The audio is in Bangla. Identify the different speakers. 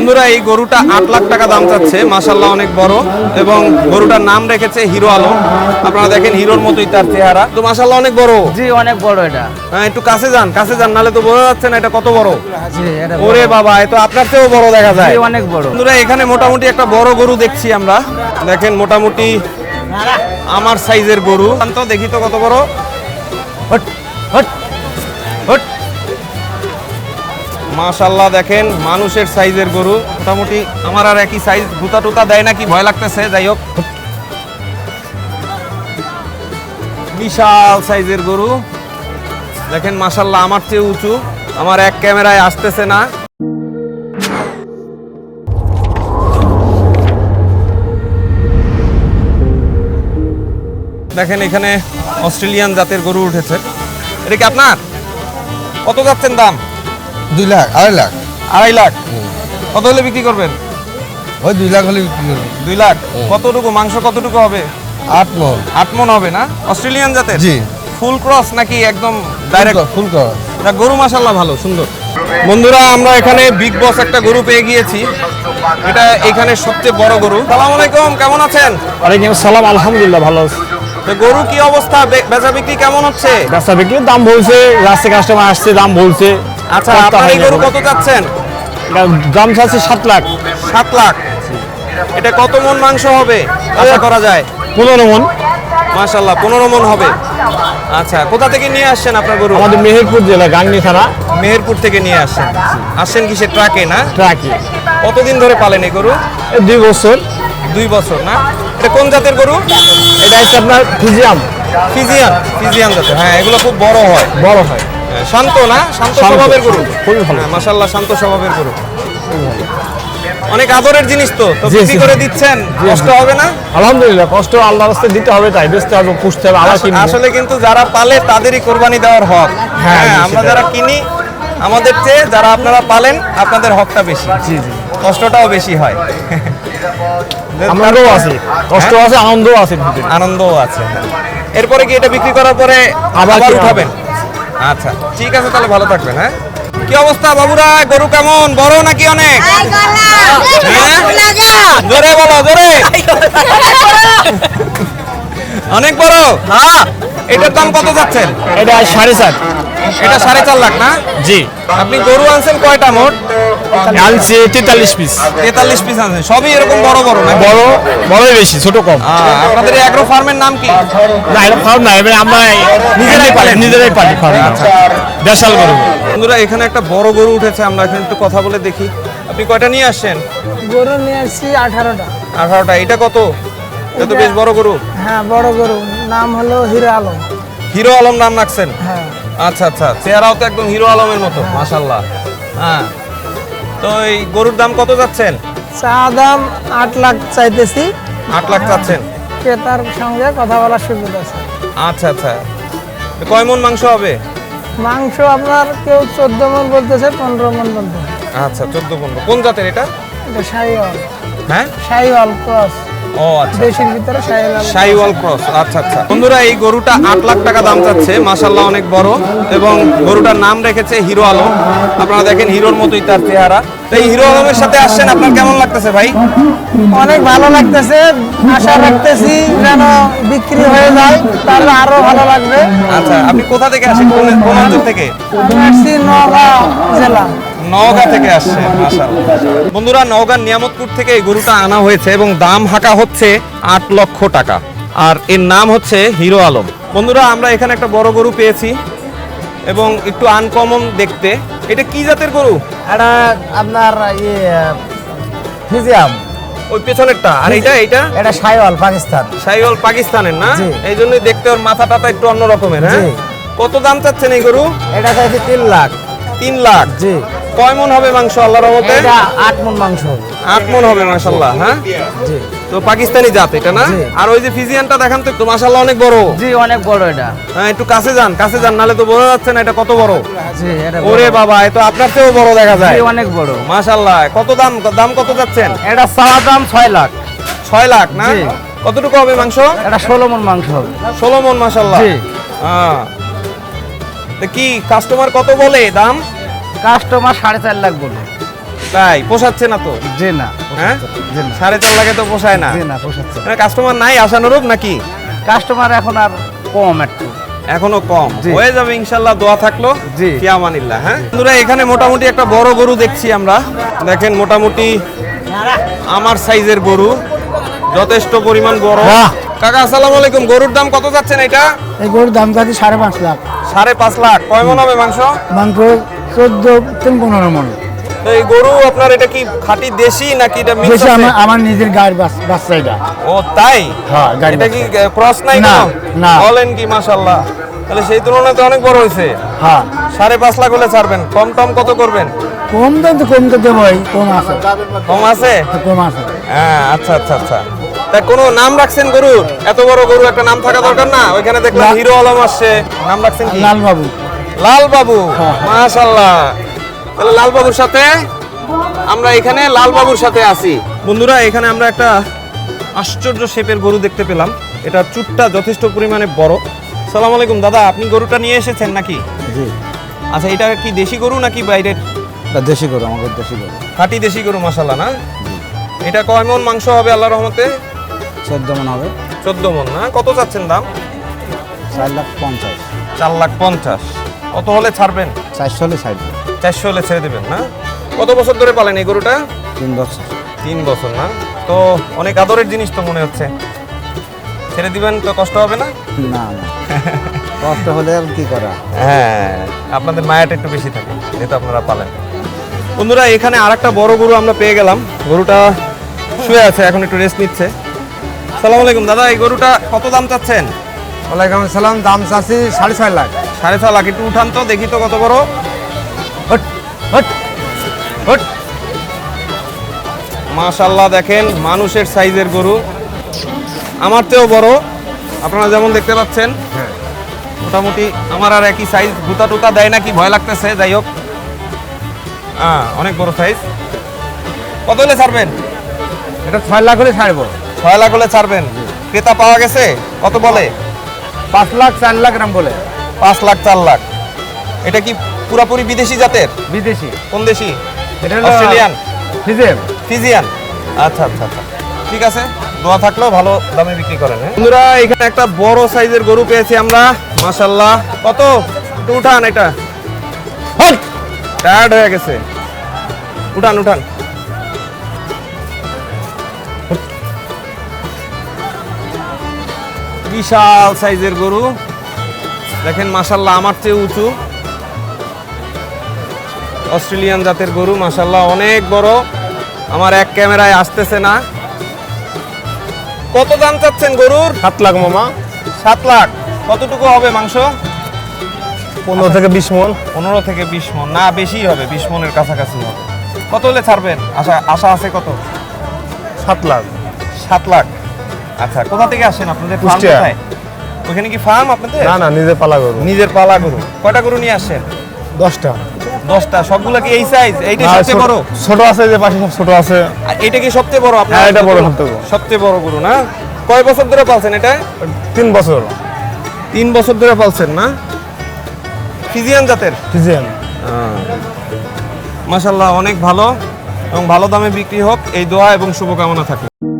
Speaker 1: বন্ধুরা এই গরুটা 8 লাখ টাকা দাম চাচ্ছে, মাশাআল্লাহ অনেক বড়, এবং গরুটার নাম রেখেছে হিরো আলম। আপনারা দেখেন হিরোর মতোই তার চেহারা, তো মাশাআল্লাহ অনেক বড়।
Speaker 2: জি অনেক বড় এটা।
Speaker 1: হ্যাঁ একটু কাছে যান নালে তো বোঝা যাচ্ছে না এটা কত বড়।
Speaker 2: জি এটা
Speaker 1: ওরে বাবা, এ তো আপনার চেয়েও বড় দেখা যায়।
Speaker 2: জি অনেক বড়।
Speaker 1: বন্ধুরা এখানে মোটামুটি একটা বড় গরু দেখছি আমরা, দেখেন মোটামুটি আমার সাইজের গরু। তো দেখি তো কত বড়।
Speaker 2: Hot hot hot.
Speaker 1: মাশাআল্লাহ দেখেন মানুষের সাইজের গরু, মোটামুটি আমার আর একই সাইজ। গুতা টুতা দেয় নাকি ভয় লাগতেছে, যাই হোক বিশাল সাইজের গরু দেখেন মাশাআল্লাহ, আমার চেয়ে উঁচু, আমার এক ক্যামেরায় আসতেছে না। দেখেন এখানে অস্ট্রেলিয়ান জাতের গরু উঠেছে, এটা কি আপনার? কত যাচ্ছেন দাম?
Speaker 3: 2 লাখ 2.5 লাখ
Speaker 1: 2.5 লাখ। কত হলে বিক্রি করবেন?
Speaker 3: ওই 2 লাখ হলে বিক্রি করবো।
Speaker 1: 2 লাখ। কতটুকু মাংস কতটুকু হবে?
Speaker 3: 8 মণ।
Speaker 1: 8 মণ হবে না? অস্ট্রেলিয়ান জাতের?
Speaker 3: জি।
Speaker 1: ফুল ক্রস নাকি একদম ডাইরেক্ট?
Speaker 3: ফুল কর।
Speaker 1: না গরু মাশাআল্লাহ ভালো সুন্দর। বন্ধুরা আমরা এখানে বিগ বস একটা গরু পেয়ে গিয়েছি, এটা এখানে সবচেয়ে বড় গরু। আসসালামু আলাইকুম, কেমন আছেন?
Speaker 4: ওয়ালাইকুম আসসালাম, আলহামদুলিল্লাহ ভালো আছি।
Speaker 1: তো গরু কি অবস্থা, বেচা বিক্রি কেমন হচ্ছে?
Speaker 4: রাস্তা বিক্রির দাম বলছে, রাস্তায় কাস্টমার আসছে দাম বলছে।
Speaker 1: আচ্ছা আপনার এই গরু কত যাচ্ছেন?
Speaker 4: দাম চাচ্ছে 7 লাখ।
Speaker 1: 7 লাখ। এটা কত মণ মাংস হবে আশা করা যায়?
Speaker 4: 15 মণ।
Speaker 1: মাশাআল্লাহ 15 মণ হবে। আচ্ছা কোথা থেকে নিয়ে আসছেন আপনার গরু?
Speaker 4: আমাদের মেহেরপুর জেলা গাংনী থানা।
Speaker 1: মেহেরপুর থেকে নিয়ে আসছেন কিসে, ট্রাকে না?
Speaker 4: ট্রাকে।
Speaker 1: কতদিন ধরে পালেন এই গরু?
Speaker 4: 2 বছর।
Speaker 1: 2 বছর না? এটা কোন জাতের গরু?
Speaker 4: এটা হচ্ছে আপনার ফিজিয়াম।
Speaker 1: ফিজিয়ান জাতের। হ্যাঁ এগুলো খুব বড় হয়।
Speaker 4: বড় হয়।
Speaker 1: শান্ত না? শান্ত স্বভাবের গরু।
Speaker 4: খুবই ভালো।
Speaker 1: হ্যাঁ মাশাআল্লাহ শান্ত স্বভাবের গরু। অনেক আদরের জিনিস তো বিক্রি করে দিচ্ছেন, কষ্ট হবে না?
Speaker 4: আলহামদুলিল্লাহ, কষ্ট আল্লাহর রাস্তায় দিতে হবে, তাই বেচতে হবে, পুষতে হবে, আবার কিনতে হবে।
Speaker 1: আসলে কিন্তু যারা পালে তাদেরই কোরবানি দেওয়ার হক। হ্যাঁ আমরা যারা কিনি আমাদের চেয়ে যারা আপনারা পালেন আপনাদের হকটা বেশি।
Speaker 4: জি জি।
Speaker 1: কষ্টটাও বেশি হয়।
Speaker 4: আনন্দও আছে, কষ্ট আছে, আনন্দও আছে।
Speaker 1: আনন্দও আছে। এরপরে কি এটা বিক্রি করার পরে আবার উঠাবেন? আচ্ছা ঠিক আছে, তাহলে ভালো থাকবেন। হ্যাঁ কি অবস্থা বাবুরা, গরু কেমন, বড় নাকি অনেক? জোরে বলো, জোরে। অনেক বড়। হ্যাঁ এটার দাম কত যাচ্ছেন?
Speaker 4: এটা 4.5।
Speaker 1: এটা 4.5 লাখ না?
Speaker 4: জি।
Speaker 1: আপনি গরু আনছেন কয়টা মোট?
Speaker 4: আনছি 43 পিস।
Speaker 1: 43 পিস আনছেন, সবই এরকম বড় বড় না?
Speaker 4: বড় বেশি, ছোট কম।
Speaker 1: আপনাদের এই অ্যাগ্রো ফার্মের নাম কি?
Speaker 4: না এটা ফার্ম না, এবারে আমরা নিজেরাই পালি ফার্ম। আচ্ছা দেশাল গরু।
Speaker 1: বন্ধুরা এখানে একটা বড় গরু উঠেছে, আমরা এখানে একটু কথা বলে দেখি। আপনি কয়টা নিয়ে আসছেন?
Speaker 5: গরু নিয়ে আসছি 18টা।
Speaker 1: 18টা। এটা কত? এটা তো বেশ বড় গরু।
Speaker 5: হ্যাঁ বড় গরু, নাম হলো হিরো আলম।
Speaker 1: হিরো আলম নাম রাখছেন?
Speaker 5: হ্যাঁ।
Speaker 1: আচ্ছা আচ্ছা, চেহারাও তো একদম হিরো আলমের মতো মাশাআল্লাহ। হ্যাঁ তো এই গরুর দাম কত যাচ্ছেন?
Speaker 5: চা দাম 8 লাখ চাইতেছি।
Speaker 1: 8 লাখ চাচ্ছেন?
Speaker 5: ক্রেতার সঙ্গে কথা বলার সুযোগ আছে।
Speaker 1: আচ্ছা আচ্ছা, কয় মণ মাংস হবে?
Speaker 5: মাংস আপনার কেউ 14 মণ বলতেছে, 15 মণ বলতেছে।
Speaker 1: আচ্ছা 14-15। কোন জাতের এটা?
Speaker 5: এটা শাহিওয়াল।
Speaker 1: হ্যাঁ
Speaker 5: শাহিওয়াল ক্রস।
Speaker 1: ও আচ্ছা,
Speaker 5: দেশির ভিতরে শাহিওয়াল।
Speaker 1: শাহিওয়াল ক্রস। আচ্ছা আচ্ছা। বন্ধুরা এই গরুটা 8 লাখ টাকা দাম চাচ্ছে, মাশাআল্লাহ অনেক বড়, এবং গরুটার নাম রেখেছে হিরো আলম। আপনারা দেখেন হিরোর মতোই তার চেহারা। তো এই হিরো আলমের সাথে আসছেন, আপনার কেমন লাগতেছে ভাই?
Speaker 5: অনেক ভালো লাগতেছে, আশা রাখতেছি যেন বিক্রি হয়ে যায়, তাহলে আরো ভালো লাগবে।
Speaker 1: আচ্ছা আপনি কোথা থেকে আসেন, কোন অঞ্চল থেকে?
Speaker 5: আসছি নওগাঁ জেলা।
Speaker 1: নওগাঁ থেকে আসছে মাশাআল্লাহ। বন্ধুরা নওগাঁর নিয়ামতপুর থেকে এই গরুটা আনা হয়েছে এবং দাম হাঁকা হচ্ছে 8 লক্ষ টাকা, আর এর নাম হচ্ছে হিরো আলম। বন্ধুরা আমরা এখানে একটা বড় গরু পেয়েছি এবং একটু আনকমন দেখতে। এটা কি জাতের গরু?
Speaker 2: এটা আপনার ফিজিয়াম।
Speaker 1: ওই পেছনেরটা। আর এইটা
Speaker 2: এটা শাহিওয়াল পাকিস্তান।
Speaker 1: শাহিওয়াল পাকিস্তানের না?
Speaker 2: জি।
Speaker 1: এই জন্যই দেখতে ওর মাথা টাথা একটু অন্য রকমের। হ্যাঁ
Speaker 2: জি।
Speaker 1: কত দাম চাচ্ছেন এই গরু?
Speaker 2: এটা চাইছে 3 লাখ।
Speaker 1: 3 লাখ।
Speaker 2: জি।
Speaker 1: কয় মণ হবে মাংস আল্লাহর রহমতে?
Speaker 2: এটা 8 মণ মাংস হবে।
Speaker 1: 8 মণ হবে মাশাআল্লাহ। হ্যাঁ
Speaker 2: জি।
Speaker 1: তো পাকিস্তানি জাত এটা না?
Speaker 2: জি।
Speaker 1: আর ওই যে ফিজিয়ানটা দেখান তো একটু, মাশাআল্লাহ অনেক বড়।
Speaker 2: জি অনেক বড় এটা।
Speaker 1: হ্যাঁ একটু কাছে যান নালে তো বোঝা যাচ্ছে না এটা কত বড়।
Speaker 2: জি এটা
Speaker 1: ওরে বাবা, এ তো আপনার চেয়েও বড় দেখা যায়।
Speaker 2: জি অনেক বড়।
Speaker 1: মাশাআল্লাহ। কত দাম কত যাচ্ছেন?
Speaker 2: এটা চাওয়া দাম 6 লাখ।
Speaker 1: 6 লাখ না?
Speaker 2: জি।
Speaker 1: কতটুকু হবে মাংস?
Speaker 2: এটা 16 মণ মাংস হবে।
Speaker 1: 16 মণ মাশাআল্লাহ।
Speaker 2: জি।
Speaker 1: হ্যাঁ তো কি কাস্টমার কত বলে দাম?
Speaker 2: কাস্টমার 4.5 লাখ বলে।
Speaker 1: তাই পোষাচ্ছে না তো?
Speaker 2: জি না
Speaker 1: হ্যাঁ
Speaker 2: জি না
Speaker 1: 4.5 লাখে তো পোষায় না।
Speaker 2: জি না পোষাচ্ছে না।
Speaker 1: মানে কাস্টমার নাই আশানুরূপ নাকি?
Speaker 2: কাস্টমার এখন আর কম একটু।
Speaker 1: এখনো কম,
Speaker 2: জি।
Speaker 1: হয়ে যাবে ইনশাল্লাহ, দোয়া থাকলো।
Speaker 2: জি।
Speaker 1: ফিয়ামানিল্লাহ। হ্যাঁ বন্ধুরা, এখানে মোটামুটি একটা বড় গরু দেখছি আমরা। দেখেন মোটামুটি আমার সাইজের গরু, যথেষ্ট পরিমাণ বড়। কাকা আসসালামু আলাইকুম, গরুর দাম কত যাচ্ছেন এটা?
Speaker 5: এই গরুর দাম যাচ্ছে 5.5 লাখ।
Speaker 1: 5.5 লাখ। কয় মন হবে মাংস?
Speaker 5: মাংস 14-15 মন।
Speaker 1: তো এই গরু আপনার এটা কি খাঁটি দেশি নাকি এটা মিক্স
Speaker 5: বেশি
Speaker 1: আছে?
Speaker 5: আমার নিজের গায়ের বাচ্চা এটা।
Speaker 1: ও তাই?
Speaker 5: হ্যাঁ, গাড়ি
Speaker 1: এটা কি ক্রস নাই
Speaker 5: না,
Speaker 1: কোনো?
Speaker 5: না।
Speaker 1: বলেন কি, মাশাআল্লাহ। তাহলে সেই তুলনায় তো অনেক বড় হয়েছে।
Speaker 5: হ্যাঁ
Speaker 1: 5.5 লাখ হলে ছাড়বেন? কম টম কত করবেন?
Speaker 5: কম দাম তো কম তো দেবই, কম আছে
Speaker 1: কম আছে?
Speaker 5: কম আছে।
Speaker 1: হ্যাঁ আচ্ছা আচ্ছা আচ্ছা। তা কোনো নাম রাখছেন গরুর? এত বড় গরু একটা নাম থাকা দরকার না? ওইখানে দেখলাম
Speaker 5: না।
Speaker 1: হিরো আলম আসছে, নাম রাখছেন কি?
Speaker 5: লাল বাবু।
Speaker 1: লাল বাবু।
Speaker 5: হ্যাঁ।
Speaker 1: মাশাআল্লাহ। তাহলে লাল বাবুর সাথে আমরা এখানে লাল বাবুর সাথে আছি। বন্ধুরা, এখানে আমরা একটা আশ্চর্য শেপের গরু দেখতে পেলাম। এটা চুটটা যথেষ্ট পরিমাণে বড়। সালাম আলাইকুম দাদা, আপনি গরুটা নিয়ে এসেছেন নাকি?
Speaker 2: জি
Speaker 1: আচ্ছা, এটা কি দেশি গরু নাকি বাইরের?
Speaker 2: এটা দেশি গরু, আমাদের দেশি গরু।
Speaker 1: খাঁটি দেশি গরু, মাশাআল্লাহ। না এটা কয় মন মাংস হবে আল্লাহর রহমতে?
Speaker 2: 14 মন হবে।
Speaker 1: 14 মন। না কত চাচ্ছেন দাম?
Speaker 2: 4,50,000।
Speaker 1: 4,50,000। কত হলে ছাড়বেন?
Speaker 2: 400 হলে ছাড়ব।
Speaker 1: 400 হলে ছেড়ে দেবেন না? কত বছর ধরে পালেন এই গরুটা?
Speaker 2: 3 বছর।
Speaker 1: 3 বছর। না তো অনেক আদরের জিনিস তো মনে হচ্ছে। ছেড়ে দিবেন তো কষ্ট হবে না?
Speaker 2: না না কষ্ট হলে আর কি করা।
Speaker 1: হ্যাঁ, আপনাদের মায়াটা একটু বেশি থাকে যেহেতু আপনারা পালেন। বন্ধুরা, এখানে আরেকটা বড় গরু আমরা পেয়ে গেলাম। গরুটা শুয়ে আছে, এখন একটু রেস্ট নিচ্ছে। সালাম আলাইকুম দাদা, এই গরুটা কত দাম চাচ্ছেন?
Speaker 3: ওয়ালাইকুম আসসালাম, দাম চাচ্ছি 6.5 লাখ।
Speaker 1: 6.5 লাখ। একটু উঠান তো দেখি তো কত বড়।
Speaker 2: Hot hot hot.
Speaker 1: মাশাআল্লাহ, দেখেন মানুষের সাইজের গরু, আমার চেয়েও বড়। আপনারা যেমন দেখতে পাচ্ছেন, মোটামুটি আমার আর একই সাইজ। গুতা টুতা দেয় নাকি ভয় লাগতেছে, যাই হোক। অনেক বড় সাইজ। কত হলে ছাড়বেন?
Speaker 3: এটা 6 লাখ হলে ছাড়বো।
Speaker 1: 6 লাখ হলে ছাড়বেন। ক্রেতা পাওয়া গেছে? কত বলে?
Speaker 3: 5 লাখ 4 লাখ গ্রাম বলে।
Speaker 1: 5 লাখ 4 লাখ। এটা কি পুরাপুরি বিদেশি জাতের?
Speaker 3: বিদেশি।
Speaker 1: কোন দেশি?
Speaker 3: এটা হলো
Speaker 1: অস্ট্রেলিয়ান?
Speaker 3: ফিজেম।
Speaker 1: ফিজিয়ান। আচ্ছা আচ্ছা আচ্ছা, ঠিক আছে, দোয়া থাকলেও ভালো দামে বিক্রি করেন। বন্ধুরা, এখানে একটা বড় সাইজের গরু পেয়েছি আমরা, মাশাআল্লাহ। কত? একটু উঠান এটা, টায়ার্ড হয়ে গেছে। উঠান উঠান। বিশাল সাইজের গরু, দেখেন মাশাআল্লাহ, আমার চেয়ে উঁচু। অস্ট্রেলিয়ান জাতের গরু, মাশাআল্লাহ অনেক বড়। আমার এক ক্যামেরায় আসতেছে না। কত দাম চাচ্ছেন গরুর?
Speaker 4: 7 লাখ মামা।
Speaker 1: 7 লাখ। কতটুকু হবে মাংস?
Speaker 4: 15 থেকে 20 মন।
Speaker 1: 15 থেকে 20 মন। না, বেশি হবে, 20 মনের কাছাকাছি হবে। কত হলে ছাড়বেন? আশা আছে কত?
Speaker 4: 7 লাখ।
Speaker 1: 7 লাখ। আচ্ছা, কোথা থেকে আসেন? আপনাদের ফার্ম
Speaker 4: কুষ্টিয়া।
Speaker 1: কোথায়? ওখানে কি ফার্ম আপনাদের?
Speaker 4: না না, নিজে পালা গরু।
Speaker 1: নিজের পালা গরু। কয়টা গরু নিয়ে আসছেন?
Speaker 4: 10টা।
Speaker 1: 10টা। সবগুলো কি এই সাইজ? এইটাই সবচেয়ে বড়?
Speaker 4: ছোট আছে, যে পাশে সব ছোট আছে।
Speaker 1: আর এটা কি সবচেয়ে বড় আপনার?
Speaker 4: হ্যাঁ, এটা বড়, সবচেয়ে বড়।
Speaker 1: সবচেয়ে বড় গরু। না কয় বছর ধরে পালছেন এটা?
Speaker 4: 3 বছর।
Speaker 1: 3 বছর ধরে পালছেন। না ফিজিয়ান জাতের?
Speaker 4: ফিজিয়ান।
Speaker 1: মাশাআল্লাহ অনেক ভালো, এবং ভালো দামে বিক্রি হোক এই দোয়া এবং শুভকামনা থাকে।